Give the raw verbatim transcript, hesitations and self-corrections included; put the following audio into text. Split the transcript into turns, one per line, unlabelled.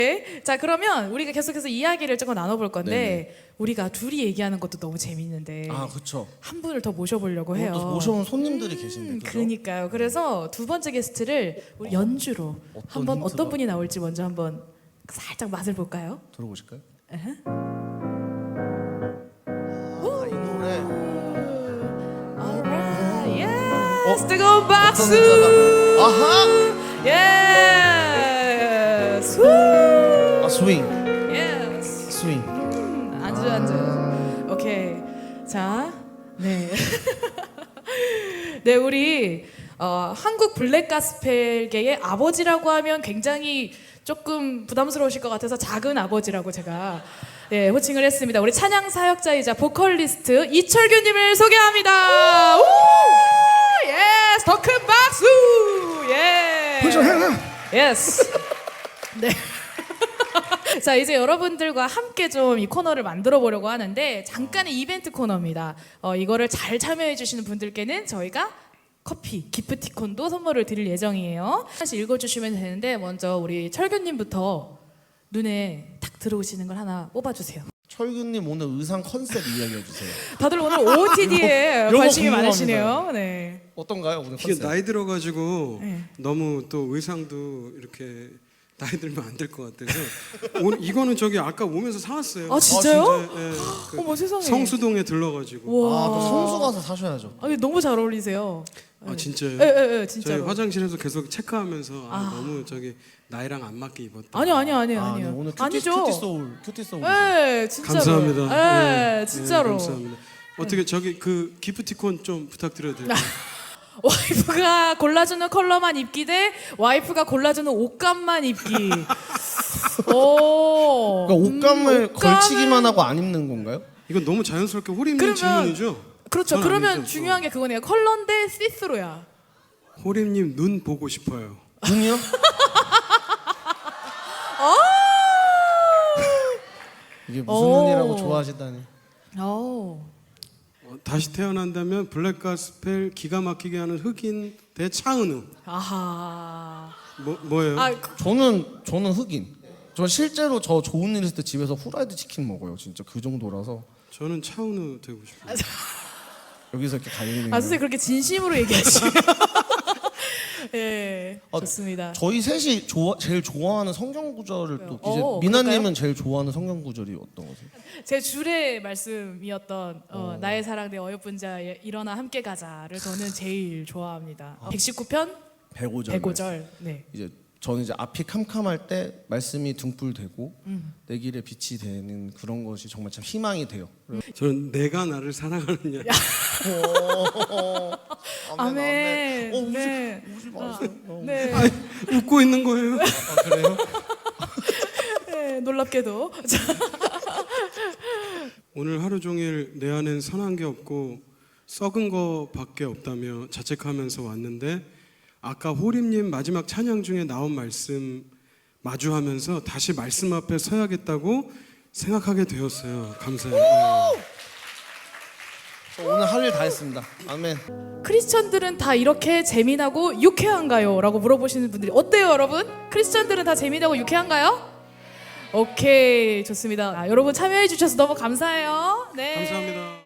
네. 자, 그러면 우리가 계속해서 이야기를 조금 나눠볼 건데 네네. 우리가 둘이 얘기하는 것도 너무 재밌는데
아, 그렇죠.
한 분을 더 모셔보려고 해요.
또 모셔온 손님들이
음,
계신데, 그죠?
그러니까요. 그래서 두 번째 게스트를 우리 연주로
어떤
한번
힌트가?
어떤 분이 나올지 먼저 한번 살짝 맛을 볼까요?
들어보실까요?
에헤.
아, 이 노래.
Alright, yes.
어?
뜨거운 박수.
어떤 글자가? 아하!
Yes. 후.
아, 스윙.
Yes.
스윙.
음, 앉아 앉아. 오케이. 자, 네. 네, 우리 어, 한국 블랙 가스펠계의 아버지라고 하면 굉장히 조금 부담스러우실 것 같아서 작은 아버지라고 제가 네, 호칭을 했습니다. 우리 찬양 사역자이자 보컬리스트 이철규님을 소개합니다. 우! 예스, 더 큰 박수. 예. 예스. 네. 자, 이제 여러분들과 함께 좀 이 코너를 만들어 보려고 하는데 잠깐의 이벤트 코너입니다. 어, 이거를 잘 참여해 주시는 분들께는 저희가 커피, 기프티콘도 선물을 드릴 예정이에요. 하나씩 읽어주시면 되는데 먼저 우리 철규님부터 눈에 탁 들어오시는 걸 하나 뽑아주세요.
철규님 오늘 의상 컨셉 이야기해 주세요.
다들 오늘 오오티디에
요거
관심이
궁금합니다.
많으시네요. 네.
어떤가요, 오늘
이게
컨셉?
나이 들어가지고
네.
너무 또 의상도 이렇게 나이 들면 안 될 것 같아서 오늘 이거는 저기 아까 오면서 사왔어요.
아, 진짜요?
아, 진짜, 예, 그
어머, 세상에.
성수동에 들러가지고.
와.
아, 또 성수 가서 사셔야죠.
아, 너무 잘 어울리세요.
아 진짜요?
예, 예, 예,
저희
진짜로.
화장실에서 계속 체크하면서 아,
아.
너무 저기 나이랑 안 맞게 입었다.
아니요, 아니요, 아니요,
아,
아니요.
네, 오늘 큐티,
아니죠.
큐티 소울, 큐티 소울.
예, 진짜로.
감사합니다.
예,
네,
진짜로.
네, 감사합니다. 어떻게 저기 그 기프티콘 좀 부탁드려도 될까요?
와이프가 골라주는 컬러만 입기 대 와이프가 골라주는 옷감만 입기. 오.
그러니까 옷감을
음, 옷감은-
걸치기만 하고 안 입는 건가요?
이건 너무 자연스럽게 호림님
그러면-
질문이죠?
그렇죠.
전
그러면
아니죠.
중요한 게 그거네요. 컬러인데 시스루야.
호림님 눈 보고 싶어요.
눈이요? 이게 무슨
오.
눈이라고 좋아하시다니.
오.
어, 다시 태어난다면 블랙가스펠 기가 막히게 하는 흑인 대 차은우.
아하.
뭐 뭐예요?
아, 그-
저는 저는 흑인. 저 실제로 저 좋은 일 있을 때 집에서 후라이드 치킨 먹어요. 진짜 그 정도라서
저는 차은우 되고 싶어요.
여기서 이렇게 갈리는.
아 선생님 그렇게 진심으로 얘기하시면. 예,
아,
좋습니다.
저희 셋이 좋아, 제일 좋아하는 성경 구절을 또 이제
어,
미나님은
그럴까요?
제일 좋아하는 성경 구절이 어떤 거세요?
제 줄의 말씀이었던 어, 나의 사랑 내 어여쁜 자 일어나 함께 가자를 저는 제일 좋아합니다. 백십구 편
백오 절.
백오 절. 네.
이제 저는 이제 앞이 캄캄할 때 말씀이 등불되고
음.
내 길에 빛이 되는 그런 것이 정말 참 희망이 돼요.
저는 내가 나를 사랑하느냐.
아멘.
어, 우지,
네.
우지 마세요. 어.
네.
아, 웃고 있는 거예요.
아, 그래요?
네, 놀랍게도. 자,
오늘 하루 종일 내 안엔 선한 게 없고 썩은 거밖에 없다며 자책하면서 왔는데 아까 호림님 마지막 찬양 중에 나온 말씀 마주하면서 다시 말씀 앞에 서야겠다고 생각하게 되었어요. 감사해요. 네.
저 오늘 할 일 다 했습니다. 아멘.
크리스천들은 다 이렇게 재미나고 유쾌한가요? 라고 물어보시는 분들이 어때요, 여러분? 크리스천들은 다 재미나고 유쾌한가요? 오케이, 좋습니다. 아, 여러분 참여해 주셔서 너무 감사해요. 네.
감사합니다.